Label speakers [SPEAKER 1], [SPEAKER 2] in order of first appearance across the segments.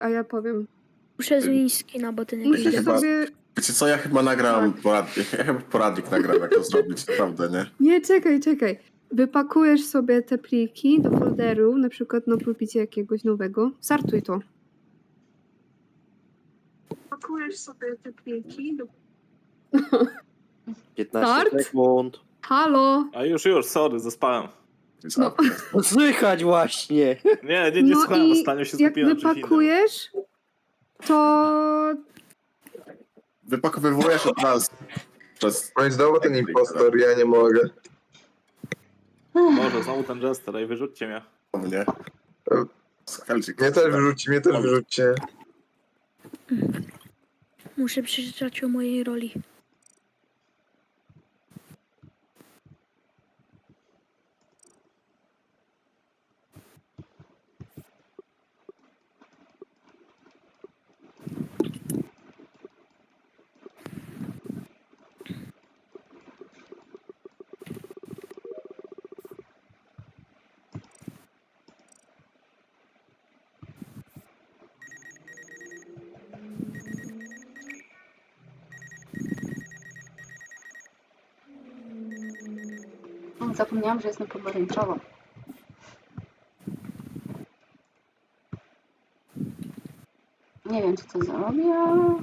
[SPEAKER 1] a ja powiem.
[SPEAKER 2] Muszę zmienić skina, bo ten
[SPEAKER 1] Musisz
[SPEAKER 2] jakiś...
[SPEAKER 3] chyba-
[SPEAKER 1] sobie...
[SPEAKER 3] Wiecie co, ja chyba nagram poradnik. Ja chyba poradnik nagram, jak to zrobić, naprawdę, nie?
[SPEAKER 1] Nie, czekaj. Wypakujesz sobie te pliki do folderu, na przykład na pulpicie jakiegoś nowego. Startuj to. Wypakujesz sobie te pliki do...
[SPEAKER 4] 15
[SPEAKER 1] Start?
[SPEAKER 4] sekund.
[SPEAKER 1] Halo!
[SPEAKER 5] A już, sorry, zaspałem.
[SPEAKER 1] No.
[SPEAKER 4] No słychać właśnie.
[SPEAKER 5] Nie
[SPEAKER 1] No
[SPEAKER 5] słuchałem,
[SPEAKER 1] i
[SPEAKER 5] ostatnio się
[SPEAKER 1] jak
[SPEAKER 5] skupiłem na czymś innym.
[SPEAKER 1] wypakujesz, to...
[SPEAKER 3] Wypakowywujesz od nas przez...
[SPEAKER 6] No i znowu ten impostor, ja nie mogę.
[SPEAKER 5] Boże, znowu ten jester, ej, wyrzućcie mnie.
[SPEAKER 3] mnie. Skalczyk.
[SPEAKER 6] Mnie też wyrzućcie.
[SPEAKER 2] Muszę przeczytać o mojej roli.
[SPEAKER 7] Zapomniałam, że jestem pomarańczową. Nie wiem, co to zrobię.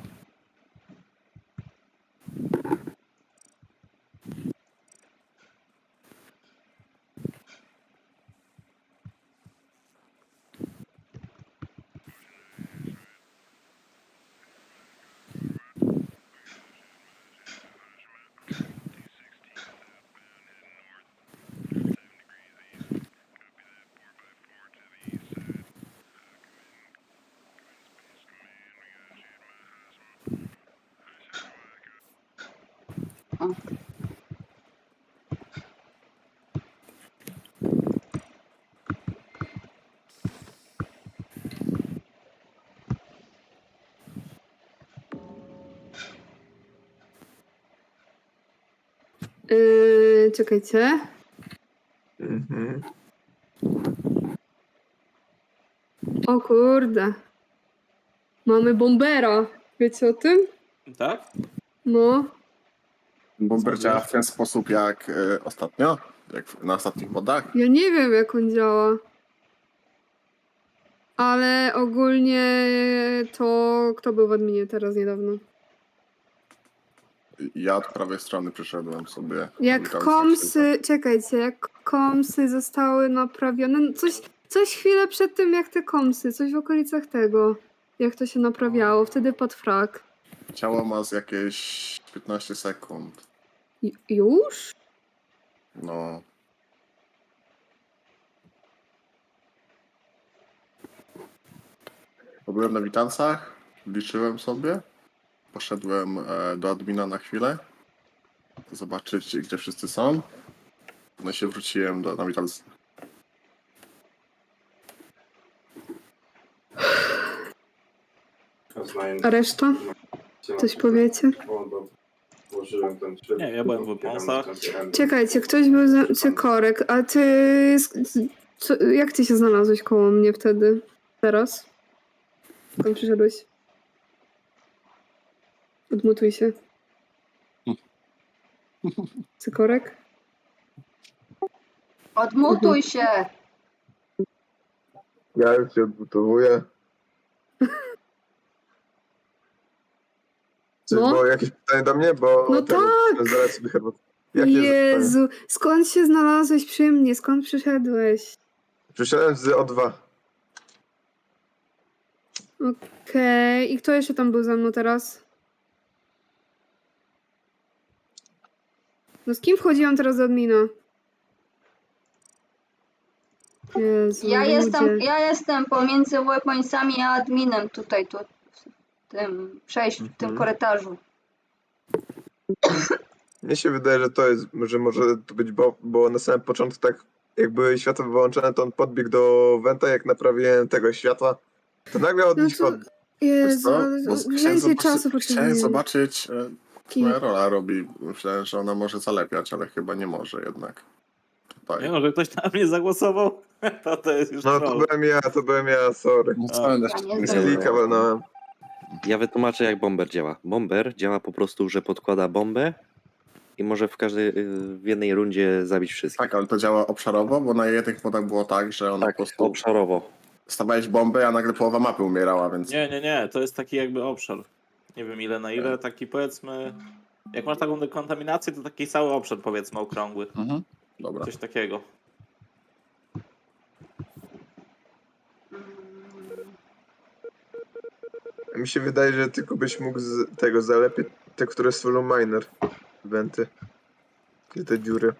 [SPEAKER 7] O.
[SPEAKER 1] Czekajcie.
[SPEAKER 6] Mhm.
[SPEAKER 1] O kurde. Mamy bombera. Wiecie o tym?
[SPEAKER 5] Tak?
[SPEAKER 1] No.
[SPEAKER 3] Bomber działa w ten sposób jak ostatnio, jak na ostatnich modach.
[SPEAKER 1] Ja nie wiem, jak on działa. Ale ogólnie to... Kto był w adminie teraz niedawno?
[SPEAKER 3] Ja od prawej strony przyszedłem sobie.
[SPEAKER 1] Jak
[SPEAKER 3] Witam
[SPEAKER 1] komsy... Czekajcie, jak komsy zostały naprawione... No coś chwilę przed tym, jak te komsy. Coś w okolicach tego. Jak to się naprawiało. Wtedy pod frak.
[SPEAKER 3] Ciało ma z jakieś 15 sekund.
[SPEAKER 1] Już?
[SPEAKER 3] No. Byłem na witancach, liczyłem sobie. Poszedłem do admina na chwilę. Zobaczyć, gdzie wszyscy są. No i się wróciłem na witance.
[SPEAKER 1] A reszta? Coś powiecie?
[SPEAKER 5] Nie, ja byłem w wąsach.
[SPEAKER 1] Czekajcie, ktoś był za... Cykorek, a ty... Jak ty się znalazłeś koło mnie wtedy? Teraz? Skąd przyszedłeś? Odmutuj się. Cykorek?
[SPEAKER 7] Odmutuj się!
[SPEAKER 6] Ja już się odbudowuję. Czy
[SPEAKER 1] No.
[SPEAKER 6] było jakieś pytanie do mnie? Bo
[SPEAKER 1] No tak!
[SPEAKER 6] Zaraz sobie herbatę. Jakie jest pytanie?
[SPEAKER 1] Jezu, skąd się znalazłeś przy mnie? Skąd przyszedłeś?
[SPEAKER 6] Przyszedłem z O2.
[SPEAKER 1] Okej, i kto jeszcze tam był ze mną teraz? No z kim wchodziłam teraz do admina? Jezu,
[SPEAKER 7] Ja jestem pomiędzy weaponsami a adminem tutaj, tu, w tym przejściu, w tym korytarzu.
[SPEAKER 6] Mnie się wydaje, że to jest, że może to być bo na samym początku tak jak były światła wyłączone, to on podbiegł do Wenta, jak naprawiłem tego światła, to nagle od
[SPEAKER 1] No
[SPEAKER 6] nich
[SPEAKER 1] to-
[SPEAKER 6] od...
[SPEAKER 1] Jezu,
[SPEAKER 3] Co?
[SPEAKER 1] ale
[SPEAKER 3] Bo
[SPEAKER 1] więcej czasu
[SPEAKER 3] chciałem
[SPEAKER 1] potrzebuję.
[SPEAKER 3] zobaczyć, co
[SPEAKER 1] Ki-
[SPEAKER 3] moja rola robi. Myślałem, że ona może zalepiać, ale chyba nie może jednak. Tutaj.
[SPEAKER 5] Nie no, że ktoś na mnie zagłosował. To jest już
[SPEAKER 6] No
[SPEAKER 5] troll.
[SPEAKER 6] to byłem ja, sorry.
[SPEAKER 3] No co,
[SPEAKER 7] Ja
[SPEAKER 3] jeszcze
[SPEAKER 7] nie
[SPEAKER 6] Z
[SPEAKER 7] znam.
[SPEAKER 6] klika walnąłem.
[SPEAKER 4] Ja wytłumaczę, jak bomber działa. Bomber działa po prostu, że podkłada bombę i może w jednej rundzie zabić wszystkich.
[SPEAKER 3] Tak, ale to działa obszarowo, bo na jednych modach było tak, że on po
[SPEAKER 4] Tak,
[SPEAKER 3] prostu
[SPEAKER 4] obszarowo.
[SPEAKER 3] stawiałeś bombę, a nagle połowa mapy umierała, więc...
[SPEAKER 5] Nie, to jest taki jakby obszar. Nie wiem ile na ile, taki powiedzmy... Jak masz taką dekontaminację, to taki cały obszar powiedzmy okrągły.
[SPEAKER 3] Mhm. Dobra.
[SPEAKER 5] Coś takiego.
[SPEAKER 6] Mi się wydaje, że tylko byś mógł z tego zalepić te, które są miner. Wenty. I te dziury.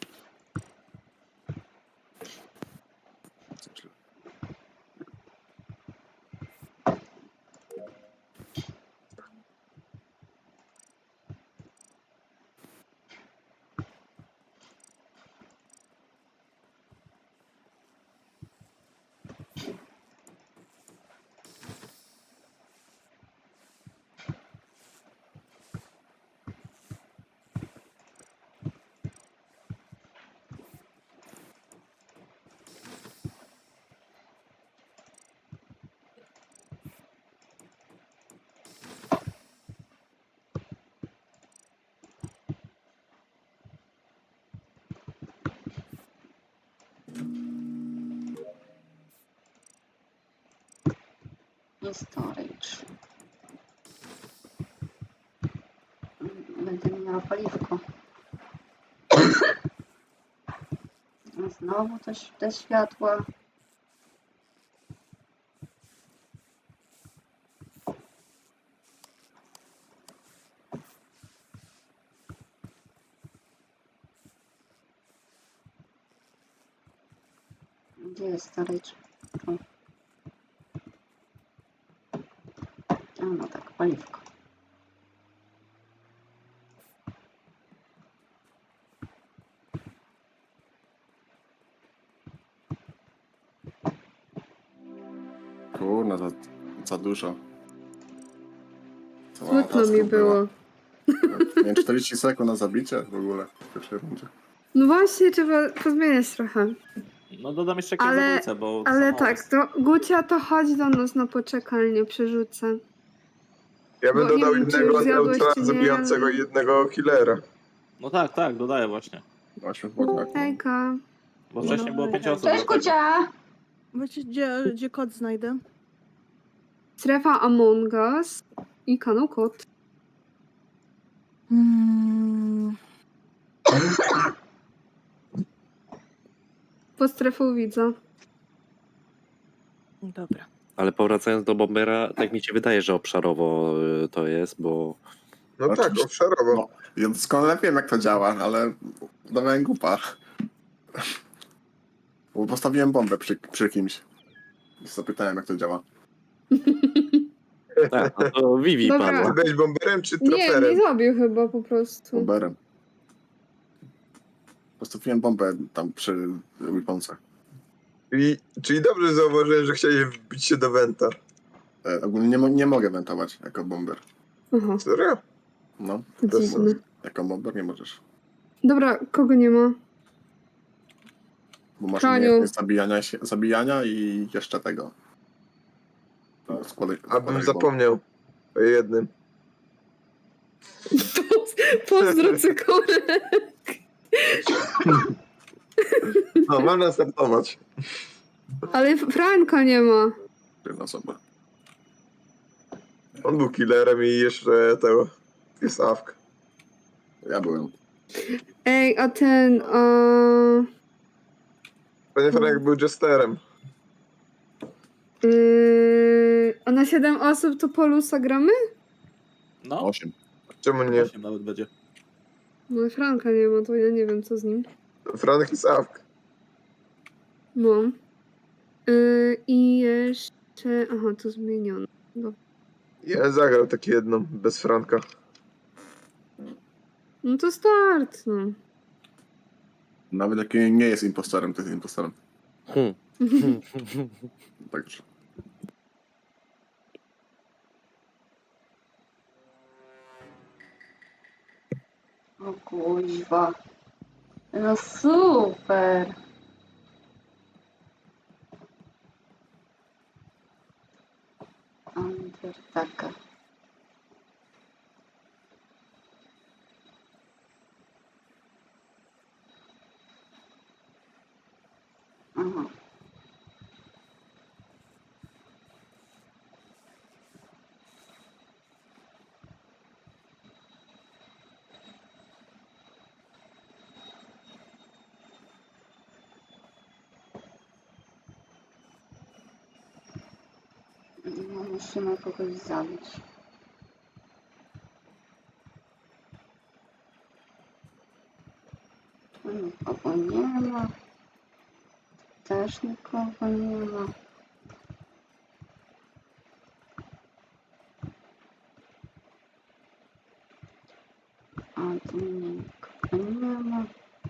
[SPEAKER 7] I storage. Będę miała paliwko. Znowu te światła. Gdzie jest storage? Tu. A no tak, paliwko.
[SPEAKER 3] Kurna, za dużo. Cała
[SPEAKER 1] Smutno
[SPEAKER 3] taska
[SPEAKER 1] mi
[SPEAKER 3] była.
[SPEAKER 1] było.
[SPEAKER 3] Nie, 40 sekund na zabicie w ogóle w pierwszej rundzie.
[SPEAKER 1] No właśnie, trzeba pozmieniać trochę.
[SPEAKER 5] No dodam jeszcze jakieś
[SPEAKER 1] Ale-
[SPEAKER 5] zabójce, bo to
[SPEAKER 1] Ale
[SPEAKER 5] za mało
[SPEAKER 1] tak,
[SPEAKER 5] jest.
[SPEAKER 1] to Gucia, to chodź do nas na poczekalnię, przerzucę.
[SPEAKER 6] Ja bym
[SPEAKER 1] Bo nie
[SPEAKER 6] dodał
[SPEAKER 1] wiem, czy
[SPEAKER 6] jednego
[SPEAKER 1] zjadłeś,
[SPEAKER 6] neutra
[SPEAKER 1] czy nie,
[SPEAKER 6] zabijającego
[SPEAKER 1] ale-
[SPEAKER 6] i jednego killera.
[SPEAKER 5] No tak, dodaję właśnie.
[SPEAKER 3] Właśnie w bodach.
[SPEAKER 1] Hejka.
[SPEAKER 5] Bo wcześniej było 5 osób.
[SPEAKER 7] Cześć,
[SPEAKER 5] dlatego.
[SPEAKER 7] Kucia!
[SPEAKER 8] Wiecie, gdzie kod znajdę?
[SPEAKER 1] Strefa Among Us i kanał Kot. Po strefą widza.
[SPEAKER 8] Dobra.
[SPEAKER 4] Ale powracając do bombera, tak mi się wydaje, że obszarowo to jest, bo
[SPEAKER 6] No tak,
[SPEAKER 3] Oczywiście.
[SPEAKER 6] obszarowo.
[SPEAKER 3] No, ja doskonale wiem jak to działa, ale udawałem głupa. Bo postawiłem bombę przy kimś. I zapytałem jak to działa.
[SPEAKER 4] tak, no to Vivi
[SPEAKER 1] Dobra.
[SPEAKER 4] padła.
[SPEAKER 6] Ty byłeś bomberem czy
[SPEAKER 1] Nie,
[SPEAKER 6] troperem?
[SPEAKER 1] nie zabił chyba po prostu.
[SPEAKER 3] Bomberem. Postawiłem bombę tam przy weaponsach.
[SPEAKER 6] Czyli dobrze zauważyłem, że chciałeś wbić się do Wenta.
[SPEAKER 3] Ogólnie nie mogę wentować jako bomber.
[SPEAKER 1] Aha,
[SPEAKER 6] Serio?
[SPEAKER 3] No,
[SPEAKER 6] To
[SPEAKER 1] dziwne.
[SPEAKER 3] jako bomber nie możesz.
[SPEAKER 1] Dobra, kogo nie ma?
[SPEAKER 3] Bo masz
[SPEAKER 1] Franiu.
[SPEAKER 3] umiejętność zabijania i jeszcze tego.
[SPEAKER 6] Abym zapomniał o jednym.
[SPEAKER 1] Pozdro cykorek.
[SPEAKER 6] No, mam nastartować.
[SPEAKER 1] Ale Franka nie ma.
[SPEAKER 3] Jedna osoba.
[SPEAKER 6] On był killerem i jeszcze tego. Jest awk.
[SPEAKER 3] Ja byłem.
[SPEAKER 1] Ej, a ten...
[SPEAKER 6] Panie Franek był jesterem.
[SPEAKER 1] a na 7 osób to Polusa gramy?
[SPEAKER 5] No,
[SPEAKER 3] 8.
[SPEAKER 6] Czemu nie?
[SPEAKER 5] 8 nawet będzie.
[SPEAKER 1] No Franka nie ma, to ja nie wiem co z nim.
[SPEAKER 6] Franek jest awk.
[SPEAKER 1] No. I jeszcze... Aha, to zmieniono. Dobra.
[SPEAKER 6] Ja zagrał takie jedną, bez Franka.
[SPEAKER 1] No to start, no.
[SPEAKER 3] Nawet jak nie jest impostorem, to jest impostorem. Także.
[SPEAKER 7] O kuźwa. No super. Neandertaka. Aha. No, musimy kogoś zabić. Tu nikogo nie ma. Też nikogo nie ma. A tu nikogo nie ma.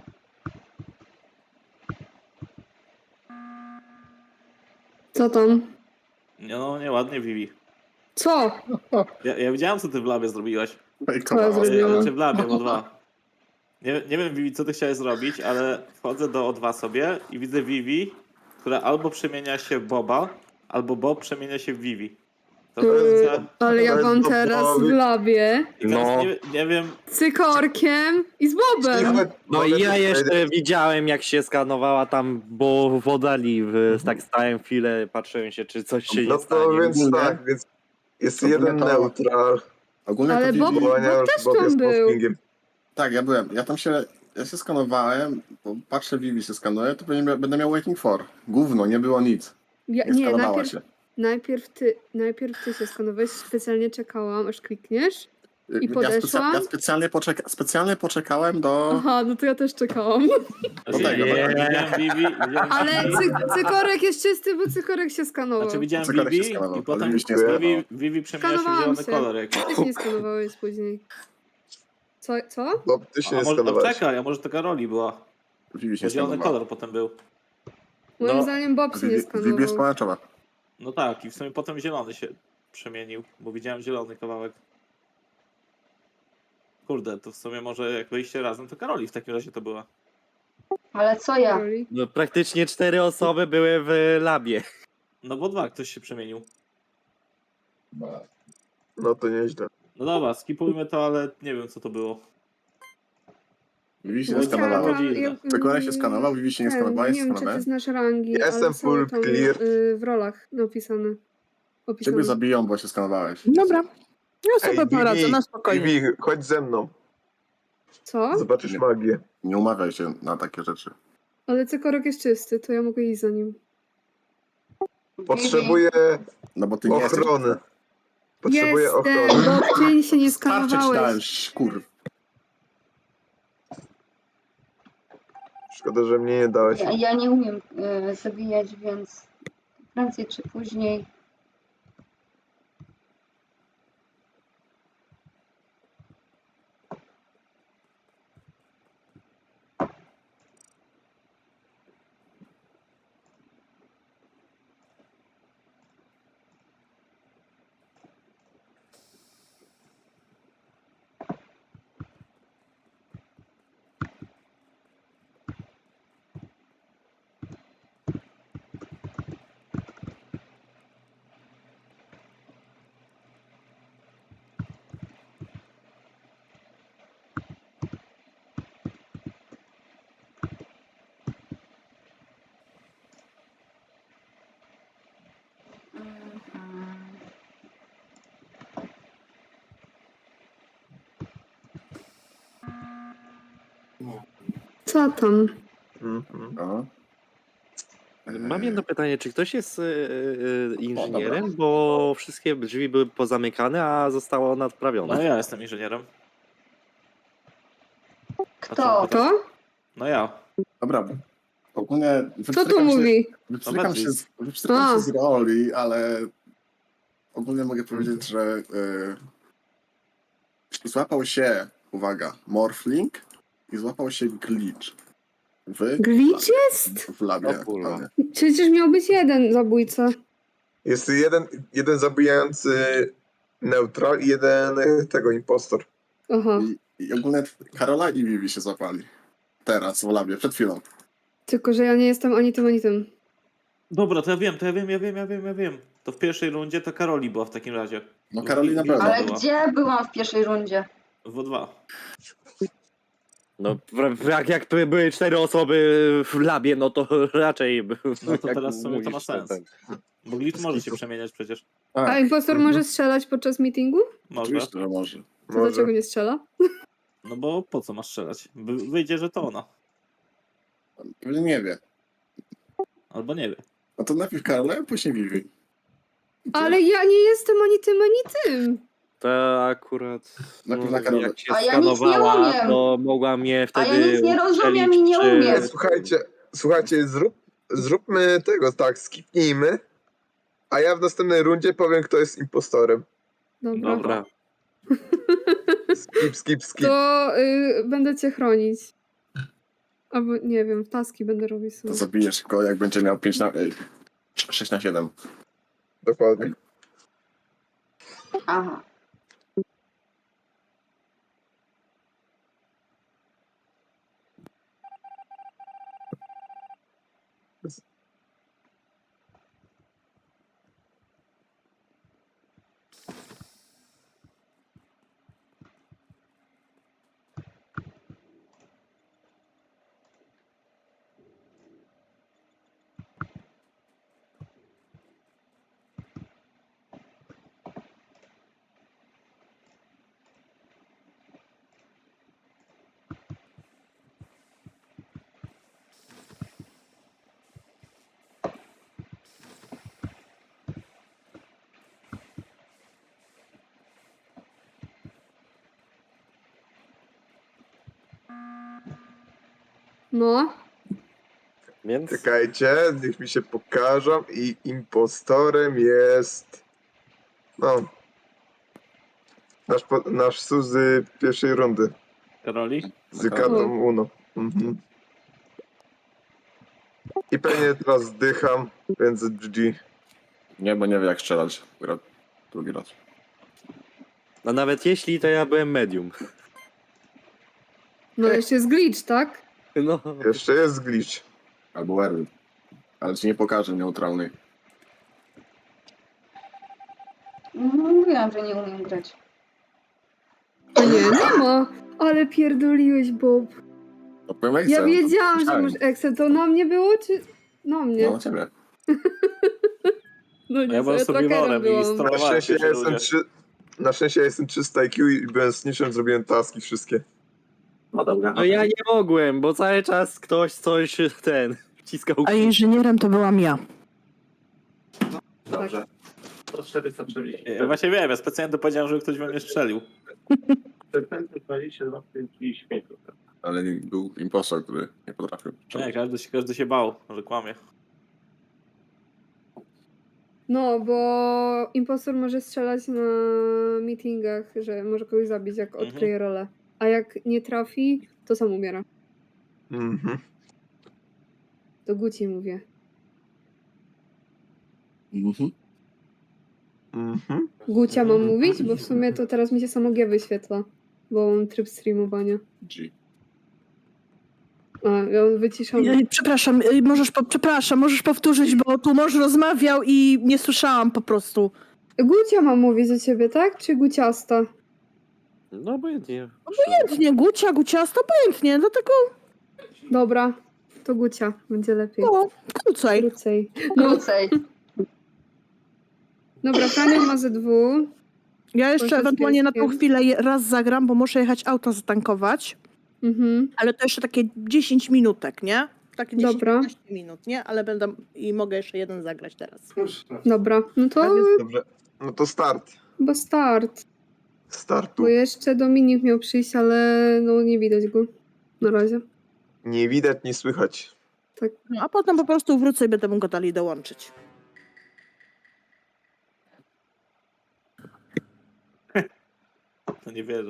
[SPEAKER 1] Co tam?
[SPEAKER 5] No, nieładnie, Vivi.
[SPEAKER 1] Co?
[SPEAKER 5] Ja widziałem, co ty w labie zrobiłaś.
[SPEAKER 3] Fejkowała.
[SPEAKER 1] Co ja zrobiłam?
[SPEAKER 5] Znaczy w labie, w O2. Nie wiem, Vivi, co ty chciałeś zrobić, ale wchodzę do O2 sobie i widzę Vivi, która albo przemienia się w Boba, albo Bob przemienia się w Vivi. To
[SPEAKER 1] Ale ja
[SPEAKER 6] To jest
[SPEAKER 1] wam teraz w
[SPEAKER 6] Bobowi.
[SPEAKER 1] labie
[SPEAKER 5] I teraz
[SPEAKER 4] No.
[SPEAKER 5] nie wiem,
[SPEAKER 1] cykorkiem i z Bobem.
[SPEAKER 4] No i ja jeszcze widziałem, jak się skanowała tam, bo w oddali, tak stałem chwilę, patrzyłem się, czy coś się
[SPEAKER 6] No
[SPEAKER 4] nie stanie.
[SPEAKER 6] to więc
[SPEAKER 3] Ogólnie-
[SPEAKER 6] tak, więc jest
[SPEAKER 3] ogólnie
[SPEAKER 6] jeden
[SPEAKER 3] to-
[SPEAKER 6] neutral.
[SPEAKER 3] Ogólnie
[SPEAKER 1] Ale
[SPEAKER 3] to
[SPEAKER 1] Bob-
[SPEAKER 3] Vivi...
[SPEAKER 1] też tam
[SPEAKER 6] jest
[SPEAKER 1] był.
[SPEAKER 6] postingiem.
[SPEAKER 3] Tak, ja byłem. Ja się skanowałem, bo patrzę, Vivi się skanuje, to będę miał waiting for. Gówno, nie było nic. Nie
[SPEAKER 1] Nie,
[SPEAKER 3] skanowała się.
[SPEAKER 1] najpierw ty się skanowałeś, specjalnie czekałam, aż klikniesz. I
[SPEAKER 3] Ja
[SPEAKER 1] podeszłam?
[SPEAKER 3] specjalnie poczekałem do...
[SPEAKER 1] Aha, no to ja też czekałam.
[SPEAKER 3] No tak,
[SPEAKER 5] widziałem Vivi,
[SPEAKER 1] Ale cykorek jest czysty, bo cykorek się skanował.
[SPEAKER 5] znaczy widziałem
[SPEAKER 3] Cykorek się
[SPEAKER 5] Vivi
[SPEAKER 3] skanował,
[SPEAKER 5] i potem
[SPEAKER 3] ale Vivi się nie skanował.
[SPEAKER 5] Vivi przemienia się w
[SPEAKER 1] Skanowałam
[SPEAKER 5] zielony
[SPEAKER 1] się.
[SPEAKER 5] kolor jakiś.
[SPEAKER 1] Ty się nie skanowałeś później. Co?
[SPEAKER 6] Bo ty się
[SPEAKER 5] A
[SPEAKER 6] nie
[SPEAKER 5] może,
[SPEAKER 6] skanowałeś.
[SPEAKER 5] czekaj, a może taka roli była.
[SPEAKER 3] Vivi się
[SPEAKER 5] Bo zielony
[SPEAKER 3] skanowała.
[SPEAKER 5] kolor potem był.
[SPEAKER 1] Moim
[SPEAKER 4] No,
[SPEAKER 1] zdaniem Bob się nie
[SPEAKER 3] Vivi jest
[SPEAKER 1] skanował.
[SPEAKER 3] pomarańczowa.
[SPEAKER 5] No tak, i w sumie potem zielony się przemienił, bo widziałem zielony kawałek. Kurde, to w sumie może jak wyjście razem, to Karoli w takim razie to była.
[SPEAKER 7] Ale co ja?
[SPEAKER 1] Roli.
[SPEAKER 4] No, praktycznie 4 osoby były w labie.
[SPEAKER 5] No bo dwa, ktoś się przemienił.
[SPEAKER 6] No to nieźle.
[SPEAKER 5] No dobra, skipujmy to, ale nie wiem co to było.
[SPEAKER 3] Vivi się
[SPEAKER 5] No
[SPEAKER 3] nie
[SPEAKER 5] i
[SPEAKER 3] skanowała.
[SPEAKER 5] tam-
[SPEAKER 3] Cykorek się skanował, Vivi się nie skanowała,
[SPEAKER 1] Nie
[SPEAKER 3] jest
[SPEAKER 1] wiem, czy ty
[SPEAKER 3] skanowane.
[SPEAKER 1] znasz rangi,
[SPEAKER 6] Ja
[SPEAKER 1] ale
[SPEAKER 6] jestem
[SPEAKER 1] są
[SPEAKER 6] full
[SPEAKER 1] tam
[SPEAKER 6] clear.
[SPEAKER 1] w rolach napisane.
[SPEAKER 3] Ciebie
[SPEAKER 1] Opisane.
[SPEAKER 3] zabiją, bo się skanowałeś.
[SPEAKER 8] Dobra. Ja sobie
[SPEAKER 6] Ej,
[SPEAKER 8] poradzę, na spokojnie.
[SPEAKER 6] Vivi, chodź ze mną.
[SPEAKER 1] Co?
[SPEAKER 6] Zobaczysz
[SPEAKER 3] Nie.
[SPEAKER 6] magię.
[SPEAKER 3] Nie umawiaj się na takie rzeczy.
[SPEAKER 1] Ale cykorek jest czysty, to ja mogę iść za nim.
[SPEAKER 6] Potrzebuję
[SPEAKER 3] No bo ty nie jesteś...
[SPEAKER 6] ochrony. Potrzebuję ochrony.
[SPEAKER 1] Jestem, bo ty się nie
[SPEAKER 3] Starczy ci dałem,
[SPEAKER 1] skanowałeś.
[SPEAKER 3] kurw.
[SPEAKER 6] Szkoda, że mnie nie dałeś.
[SPEAKER 7] Ja nie umiem zabijać, więc prędzej czy później.
[SPEAKER 1] Co tam?
[SPEAKER 6] Mhm.
[SPEAKER 3] No.
[SPEAKER 4] Mam jedno pytanie, czy ktoś jest inżynierem, bo wszystkie drzwi były pozamykane, a zostało
[SPEAKER 5] No
[SPEAKER 4] nadprawione.
[SPEAKER 5] ja jestem inżynierem.
[SPEAKER 7] Kto?
[SPEAKER 1] To?
[SPEAKER 5] No ja.
[SPEAKER 3] Dobra. Ogólnie
[SPEAKER 1] Co tu mówi?
[SPEAKER 3] wypstrykam się,
[SPEAKER 1] A.
[SPEAKER 3] z roli, ale ogólnie mogę powiedzieć, że złapał się, uwaga, Morphling i złapał się Glitch.
[SPEAKER 1] Glitch jest?
[SPEAKER 3] W labie.
[SPEAKER 4] O kurwa.
[SPEAKER 3] aktualnie.
[SPEAKER 1] Przecież miał być jeden zabójca.
[SPEAKER 6] Jest jeden zabijający neutral i jeden tego impostor.
[SPEAKER 1] Aha.
[SPEAKER 3] I ogólnie Karola i Vivi się złapali. Teraz w labie, przed chwilą.
[SPEAKER 1] Tylko, że ja nie jestem ani tym, ani tym.
[SPEAKER 5] Dobra, to ja wiem. to w pierwszej rundzie to Karoli była w takim razie.
[SPEAKER 3] No Karoli na pewno.
[SPEAKER 7] Ale
[SPEAKER 5] była.
[SPEAKER 7] gdzie byłam w pierwszej rundzie?
[SPEAKER 5] W O2.
[SPEAKER 4] No, jak były 4 osoby w labie, no to raczej...
[SPEAKER 5] No to
[SPEAKER 4] jak
[SPEAKER 5] teraz w sumie to ma
[SPEAKER 4] mówisz,
[SPEAKER 5] sens.
[SPEAKER 4] ten.
[SPEAKER 5] Bo glitch może się przemieniać przecież.
[SPEAKER 1] A impostor może strzelać podczas meetingu?
[SPEAKER 5] Może.
[SPEAKER 3] Oczywiście, że może.
[SPEAKER 1] To
[SPEAKER 6] Może.
[SPEAKER 1] dlaczego nie strzela?
[SPEAKER 5] No bo po co masz strzelać? Wyjdzie, że to ona.
[SPEAKER 3] Pewnie nie wie.
[SPEAKER 5] Albo nie wie.
[SPEAKER 3] No to najpierw Karola, a później Vivi.
[SPEAKER 1] Ale ja nie jestem ani tym, ani tym.
[SPEAKER 4] To akurat...
[SPEAKER 3] Najpierw na Karolę.
[SPEAKER 4] jak się
[SPEAKER 7] A ja nic nie
[SPEAKER 4] skanowała,
[SPEAKER 7] umiem.
[SPEAKER 4] to mogła mnie
[SPEAKER 7] A
[SPEAKER 4] wtedy
[SPEAKER 7] ja nic nie rozumiem i nie
[SPEAKER 4] ustrzelić,
[SPEAKER 7] umiem.
[SPEAKER 6] Słuchajcie, zróbmy tego tak, skipnijmy, a ja w następnej rundzie powiem, kto jest impostorem.
[SPEAKER 1] Dobra.
[SPEAKER 4] Dobra.
[SPEAKER 6] Skip.
[SPEAKER 1] To będę cię chronić. Albo nie wiem, taski będę robić
[SPEAKER 3] To
[SPEAKER 1] sobie.
[SPEAKER 3] zabijesz go, jak będzie miał 6 na 7.
[SPEAKER 6] Dokładnie.
[SPEAKER 7] Aha.
[SPEAKER 1] No.
[SPEAKER 4] Więc...
[SPEAKER 6] Czekajcie, niech mi się pokażą i impostorem jest... No... Nasz Suzy pierwszej rundy.
[SPEAKER 5] Karoli?
[SPEAKER 6] Z kartą Uno. Mhm. I pewnie teraz zdycham, więc GG.
[SPEAKER 3] Nie, bo nie wie jak strzelać. Gra drugi raz.
[SPEAKER 4] No nawet jeśli, to ja byłem medium.
[SPEAKER 1] No jeszcze jest glitch, tak?
[SPEAKER 4] No,
[SPEAKER 6] Jeszcze jest glitch.
[SPEAKER 3] Albo Erwin. Ale ci nie pokażę neutralnej.
[SPEAKER 7] Mówiłam, że nie umiem grać.
[SPEAKER 1] A nie ma. Ale pierdoliłeś, Bob.
[SPEAKER 3] No powiem
[SPEAKER 1] Ja
[SPEAKER 3] Excel,
[SPEAKER 1] wiedziałam, że
[SPEAKER 3] myślałem.
[SPEAKER 1] masz Excel. To na mnie było, czy... Na mnie.
[SPEAKER 3] No na ciebie.
[SPEAKER 1] No
[SPEAKER 5] Ja
[SPEAKER 1] nie,
[SPEAKER 5] byłem
[SPEAKER 1] sobie trackerem
[SPEAKER 5] survivorem i
[SPEAKER 1] byłam.
[SPEAKER 6] Na
[SPEAKER 5] strolowałem
[SPEAKER 6] szczęście,
[SPEAKER 5] pierwszej rundzie.
[SPEAKER 6] na szczęście ja jestem 300 IQ i byłem z niczym, zrobiłem taski wszystkie.
[SPEAKER 3] No dobra.
[SPEAKER 4] no ja nie mogłem, bo cały czas ktoś coś wciskał.
[SPEAKER 8] A inżynierem to byłam ja.
[SPEAKER 3] Dobrze. To 440.
[SPEAKER 5] Ja właśnie wiem, ja specjalnie to powiedziałem, żeby ktoś we mnie strzelił.
[SPEAKER 3] 22, 35. Ale był impostor, który nie potrafił.
[SPEAKER 5] Nie, każdy się bał, że kłamie.
[SPEAKER 1] No, bo impostor może strzelać na meetingach, że może kogoś zabić, jak
[SPEAKER 5] Mhm.
[SPEAKER 1] odkryje rolę. A jak nie trafi, to sam umiera.
[SPEAKER 6] Mhm.
[SPEAKER 1] Do Guci mówię.
[SPEAKER 3] Mhm.
[SPEAKER 6] Mhm.
[SPEAKER 1] Gucia mam mówić? Bo w sumie to teraz mi się samo G wyświetla. Bo mam tryb streamowania.
[SPEAKER 3] G.
[SPEAKER 1] A, ja on wyciszony.
[SPEAKER 8] Przepraszam, możesz powtórzyć, bo tu mąż rozmawiał i nie słyszałam po prostu.
[SPEAKER 1] Gucia mam mówić do ciebie, tak? Czy Guciasta?
[SPEAKER 4] No obojętnie.
[SPEAKER 8] Nie, guciasto, obojętnie, dlatego
[SPEAKER 1] Dobra, to Gucia. Będzie lepiej.
[SPEAKER 8] no, krócej.
[SPEAKER 1] Krócej. No,
[SPEAKER 7] Krócej.
[SPEAKER 1] dobra, Franion ma ze 2.
[SPEAKER 8] Ja jeszcze
[SPEAKER 1] Proszę z
[SPEAKER 8] ewentualnie na tą
[SPEAKER 1] pieskiem.
[SPEAKER 8] chwilę raz zagram, bo muszę jechać auto zatankować,
[SPEAKER 1] Mhm.
[SPEAKER 8] ale to jeszcze takie 10 minutek, nie? Takie
[SPEAKER 1] Dobra.
[SPEAKER 8] 10-15 minut, nie? Ale będę i mogę jeszcze jeden zagrać teraz.
[SPEAKER 1] Dobra, no to
[SPEAKER 6] Dobrze. No to start.
[SPEAKER 1] chyba start.
[SPEAKER 6] Startu.
[SPEAKER 1] Bo jeszcze Dominik miał przyjść, ale no nie widać go. Na razie.
[SPEAKER 6] Nie widać, nie słychać.
[SPEAKER 8] No, a potem po prostu wrócę i będę mógł go dalej dołączyć.
[SPEAKER 5] To nie wierzę.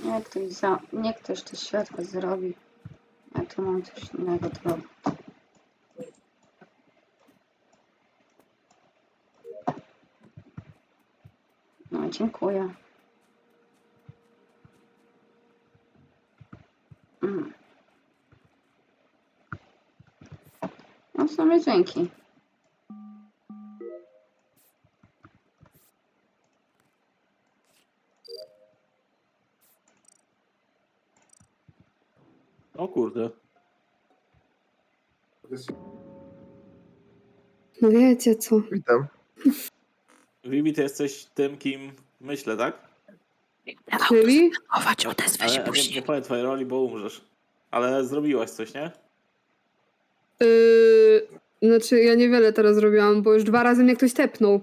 [SPEAKER 7] Niech ktoś to światło zrobi. Ja tu mam coś innego do robić. No, dziękuję. No w sumie dzięki.
[SPEAKER 5] O kurde.
[SPEAKER 1] No wiecie co.
[SPEAKER 6] Witam.
[SPEAKER 5] Vivi, ty jesteś tym, kim myślę, tak?
[SPEAKER 1] Czyli?
[SPEAKER 8] Chować, odezwę się
[SPEAKER 5] Ale nie
[SPEAKER 8] później.
[SPEAKER 5] powiem twojej roli, bo umrzesz. Ale zrobiłaś coś, nie?
[SPEAKER 1] Znaczy ja niewiele teraz zrobiłam, bo już 2 razy mnie ktoś tepnął.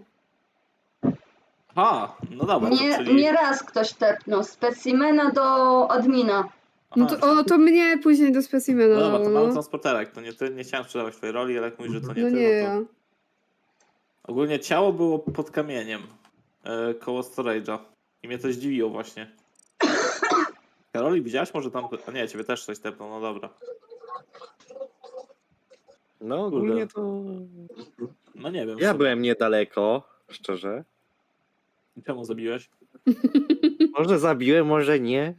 [SPEAKER 5] Aha, no dobra, to
[SPEAKER 7] Nie,
[SPEAKER 5] czyli...
[SPEAKER 7] nie raz ktoś tepnął. Specimena do admina.
[SPEAKER 1] No
[SPEAKER 5] Aha,
[SPEAKER 1] to, to mnie później do specimena
[SPEAKER 5] no dobra, to
[SPEAKER 1] dało,
[SPEAKER 5] mamy
[SPEAKER 1] no.
[SPEAKER 5] transporterek, to nie ty, nie chciałem sprzedawać twojej roli, ale jak mówisz, że to nie
[SPEAKER 1] No
[SPEAKER 5] ty,
[SPEAKER 1] nie
[SPEAKER 5] no to...
[SPEAKER 1] ja.
[SPEAKER 5] Ogólnie ciało było pod kamieniem, koło storage'a. I mnie to zdziwiło właśnie. Karoli, widziałaś może tam... A nie, ciebie też coś tepnął, no dobra.
[SPEAKER 4] No ogólnie to...
[SPEAKER 5] No nie wiem. w
[SPEAKER 4] Ja
[SPEAKER 5] sumie.
[SPEAKER 4] byłem niedaleko, szczerze.
[SPEAKER 5] Czemu zabiłeś?
[SPEAKER 4] Może zabiłem, może nie.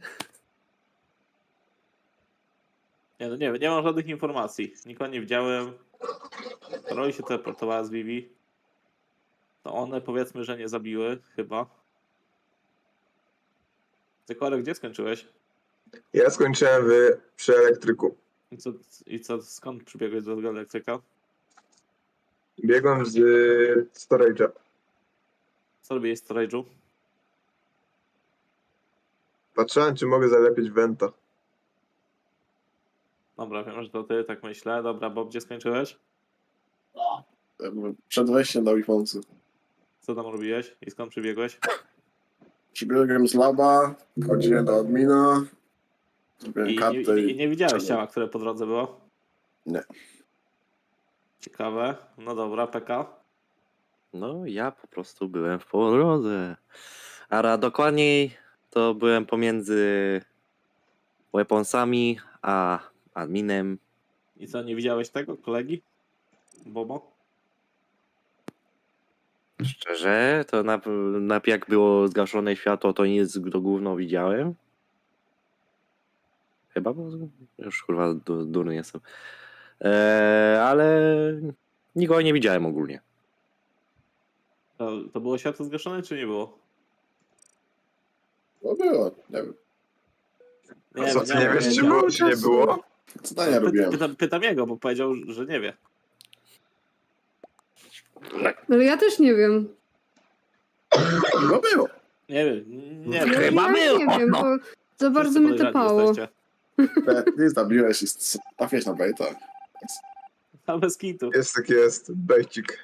[SPEAKER 5] Nie, no nie wiem, nie mam żadnych informacji. Nikogo nie widziałem. Karoli się teleportowała z Vivi. To one powiedzmy, że nie zabiły, chyba. Zekorek, gdzie skończyłeś?
[SPEAKER 6] Ja skończyłem przy elektryku.
[SPEAKER 5] I co, skąd przybiegłeś do tego elektryka?
[SPEAKER 6] Biegłem z storage'a.
[SPEAKER 5] Co robiłeś w storage'u?
[SPEAKER 6] Patrzyłem, czy mogę zalepić Venta.
[SPEAKER 5] Dobra, wiem, że to ty, tak myślę. Dobra, Bob, gdzie skończyłeś?
[SPEAKER 3] Przed wejściem do Wifoncy.
[SPEAKER 5] Co tam robiłeś i skąd przybiegłeś?
[SPEAKER 3] Przybiegłem z laba, chodziłem do admina, zrobiłem
[SPEAKER 5] I
[SPEAKER 3] kartę
[SPEAKER 5] nie widziałeś
[SPEAKER 3] czego?
[SPEAKER 5] ciała, które po drodze było?
[SPEAKER 3] Nie.
[SPEAKER 5] Ciekawe. No dobra, PK.
[SPEAKER 4] No ja po prostu byłem w drodze. A dokładniej to byłem pomiędzy weaponsami a adminem.
[SPEAKER 5] I co, nie widziałeś tego, kolegi? Bobo?
[SPEAKER 4] Szczerze, to jak było zgaszone światło, to nic do gówno widziałem. Chyba, bo już kurwa durny jestem. Ale nikogo nie widziałem ogólnie.
[SPEAKER 5] To było światło zgaszone, czy nie było?
[SPEAKER 3] No było, nie wiem.
[SPEAKER 6] A co, ty
[SPEAKER 5] wiem,
[SPEAKER 6] nie wiesz, czy
[SPEAKER 5] wiem.
[SPEAKER 6] było, czy nie było?
[SPEAKER 3] Zadania robiłem.
[SPEAKER 5] Pytam jego, bo powiedział, że nie wie.
[SPEAKER 1] Ale ja też nie wiem.
[SPEAKER 3] No było.
[SPEAKER 5] Nie wiem, nie
[SPEAKER 1] Ja,
[SPEAKER 5] wiem.
[SPEAKER 8] Chyba
[SPEAKER 1] ja
[SPEAKER 8] było,
[SPEAKER 1] nie wiem,
[SPEAKER 8] no.
[SPEAKER 1] bo za bardzo
[SPEAKER 5] Wszyscy
[SPEAKER 1] mnie
[SPEAKER 5] podejrzani
[SPEAKER 1] tepało.
[SPEAKER 5] jesteście.
[SPEAKER 3] Ty zabiłeś i trafiłeś na bejta.
[SPEAKER 5] A bez kitu.
[SPEAKER 6] Jest tak jest, bejcik.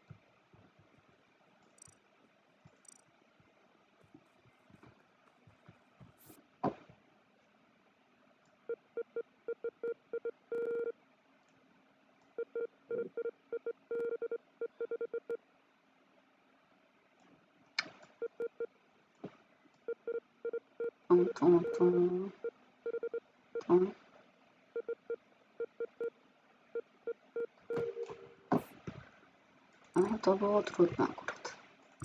[SPEAKER 7] Tum. No, to było trudne akurat.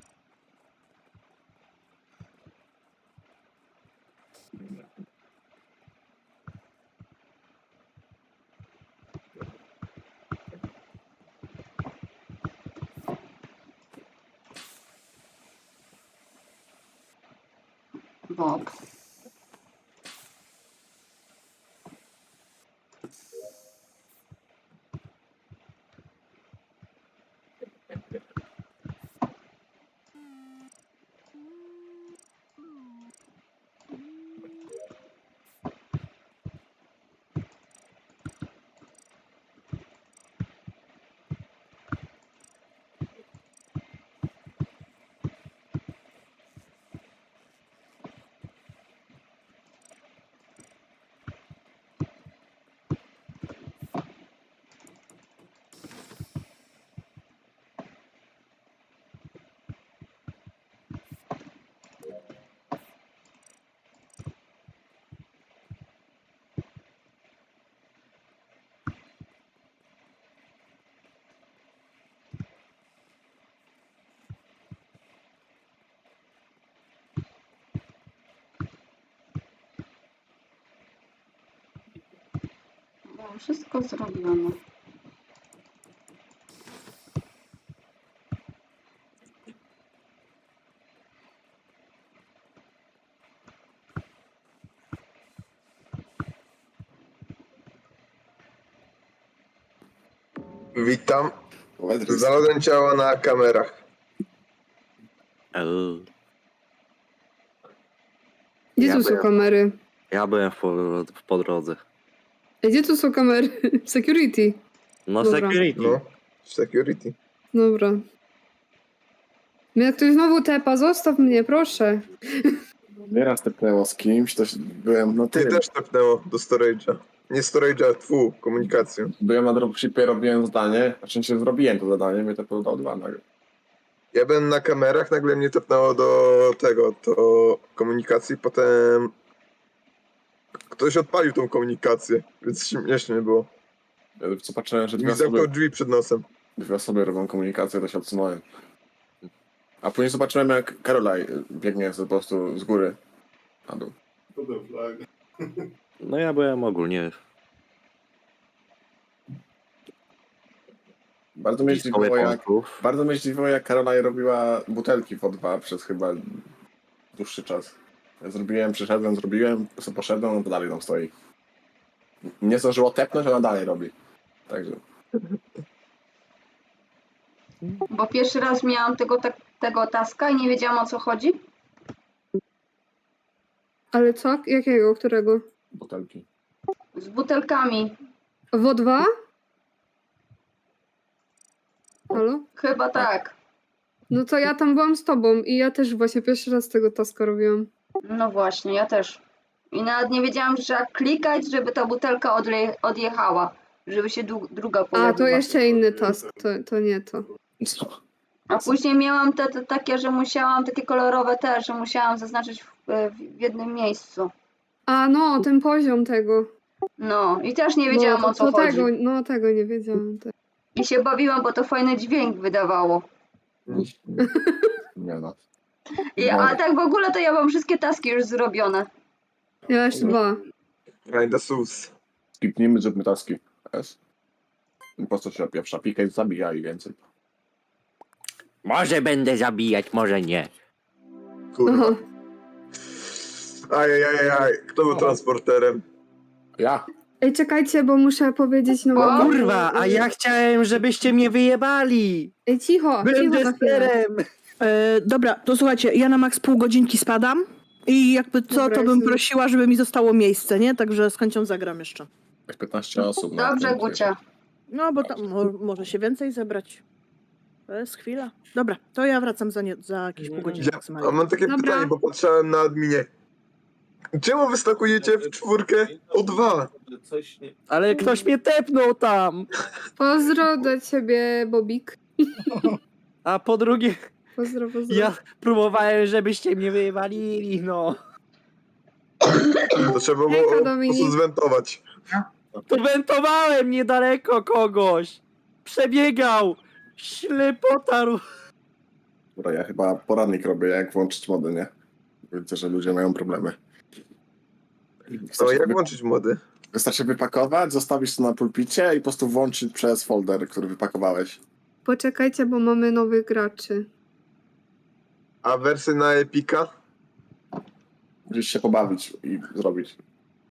[SPEAKER 7] Bob. wszystko zrobione.
[SPEAKER 6] Witam.
[SPEAKER 3] Wedryk,
[SPEAKER 6] Znalazłem ciało na kamerach.
[SPEAKER 1] Gdzie
[SPEAKER 4] Ja
[SPEAKER 1] tu są
[SPEAKER 4] byłem-
[SPEAKER 1] kamery?
[SPEAKER 4] Ja byłem po drodze.
[SPEAKER 1] Gdzie tu są kamery? Security.
[SPEAKER 4] No
[SPEAKER 1] Dobra.
[SPEAKER 4] security.
[SPEAKER 6] No, security.
[SPEAKER 1] Dobra. Mnie ktoś znowu tepa, zostaw mnie, proszę.
[SPEAKER 3] nieraz tepnęło z kimś, to byłem na
[SPEAKER 6] Ty
[SPEAKER 3] tym.
[SPEAKER 6] też tepnęło do storage'a. Nie storage'a, komunikację.
[SPEAKER 3] Byłem na dropshipie, robiłem zadanie, znaczy się zrobiłem to zadanie, mnie tepnęło do O2 nagle.
[SPEAKER 6] Ja byłem na kamerach, nagle mnie tepnęło do komunikacji, potem ktoś odpalił tą komunikację, więc śmiesznie było.
[SPEAKER 3] Ja co patrzyłem, że
[SPEAKER 6] Mi zamknął drzwi przed nosem.
[SPEAKER 3] dwie osoby robią komunikację, to się odsunąłem. A później zobaczyłem, jak Karolaj biegnie po prostu z góry na dół.
[SPEAKER 4] No ja byłem ogólnie
[SPEAKER 3] Bardzo mnie
[SPEAKER 4] blisko
[SPEAKER 3] zdziwiło, jak
[SPEAKER 4] weaponsów.
[SPEAKER 3] Bardzo mnie zdziwiło, jak Karolaj robiła butelki w O2 przez chyba dłuższy czas. Ja przyszedłem, zrobiłem, sobie poszedłem, on to dalej tam stoi. Nie zdążyło tepnąć, ona dalej robi. Także
[SPEAKER 7] Bo pierwszy raz miałam tego taska i nie wiedziałam, o co chodzi.
[SPEAKER 1] Ale co? Jakiego? Którego?
[SPEAKER 3] butelki.
[SPEAKER 7] Z butelkami.
[SPEAKER 1] W O2? Halo?
[SPEAKER 7] Chyba tak.
[SPEAKER 1] No to ja tam byłam z tobą i ja też właśnie pierwszy raz tego taska robiłam.
[SPEAKER 7] No właśnie, ja też. I nawet nie wiedziałam, że trzeba klikać, żeby ta butelka odjechała. Żeby się druga pojawiła.
[SPEAKER 1] A, to jeszcze inny task, to nie to.
[SPEAKER 3] Co?
[SPEAKER 7] A później miałam te takie, że musiałam, takie kolorowe też, że musiałam zaznaczyć w jednym miejscu.
[SPEAKER 1] A, no, ten poziom tego.
[SPEAKER 7] No i też nie wiedziałam,
[SPEAKER 1] no,
[SPEAKER 7] o co chodzi.
[SPEAKER 1] Tego nie wiedziałam.
[SPEAKER 7] I się bawiłam, bo to fajny dźwięk wydawało.
[SPEAKER 3] Nie no.
[SPEAKER 7] A tak w ogóle to ja mam wszystkie taski już zrobione.
[SPEAKER 1] Ja jeszcze 2.
[SPEAKER 6] Kinda sus.
[SPEAKER 3] Skipnijmy, zróbmy taski. S. Po co się pierwsza pika i zabija i więcej.
[SPEAKER 4] Może będę zabijać, może nie.
[SPEAKER 6] Kurwa.
[SPEAKER 1] Aha.
[SPEAKER 6] Ajajajaj, kto był transporterem?
[SPEAKER 3] Ja?
[SPEAKER 1] Ej, czekajcie, bo muszę powiedzieć no
[SPEAKER 7] O,
[SPEAKER 4] Kurwa, a ja chciałem, żebyście mnie wyjebali.
[SPEAKER 1] Ej, cicho,
[SPEAKER 4] Byłem
[SPEAKER 1] cicho na chwilę.
[SPEAKER 4] testerem.
[SPEAKER 8] Dobra, to słuchajcie, ja na max pół godzinki spadam i jakby co,
[SPEAKER 1] Dobra,
[SPEAKER 8] to bym
[SPEAKER 1] jestem.
[SPEAKER 8] prosiła, żeby mi zostało miejsce, nie? Także z chęcią zagram jeszcze.
[SPEAKER 3] Jak 15 osób. na
[SPEAKER 7] Dobrze,
[SPEAKER 3] tym,
[SPEAKER 7] Gucia.
[SPEAKER 8] No, bo tam może się więcej zebrać. To jest chwila. Dobra, to ja wracam za jakieś pół godziny
[SPEAKER 6] A
[SPEAKER 8] maksymalnie.
[SPEAKER 6] mam takie
[SPEAKER 1] Dobra.
[SPEAKER 6] pytanie, bo patrzałem na adminie. Czemu wystakujecie w czwórkę O2?
[SPEAKER 4] Ale ktoś mnie tepnął tam.
[SPEAKER 1] Pozdro do ciebie, Bobik.
[SPEAKER 4] A po drugie,
[SPEAKER 1] Pozdro.
[SPEAKER 4] ja próbowałem, żebyście mnie wyjebali, no.
[SPEAKER 6] To trzeba było
[SPEAKER 1] Hejka,
[SPEAKER 6] po prostu
[SPEAKER 1] Dominik.
[SPEAKER 6] zwentować.
[SPEAKER 4] To wentowałem niedaleko kogoś. Przebiegał. Ślepota.
[SPEAKER 3] Dobra, ja chyba poradnik robię, jak włączyć mody, nie? Widzę, że ludzie mają problemy.
[SPEAKER 6] No jak włączyć mody?
[SPEAKER 3] Wystarczy wypakować, zostawić to na pulpicie i po prostu włączyć przez folder, który wypakowałeś.
[SPEAKER 1] Poczekajcie, bo mamy nowych graczy.
[SPEAKER 6] A wersy na Epika?
[SPEAKER 3] Musisz się pobawić i zrobić.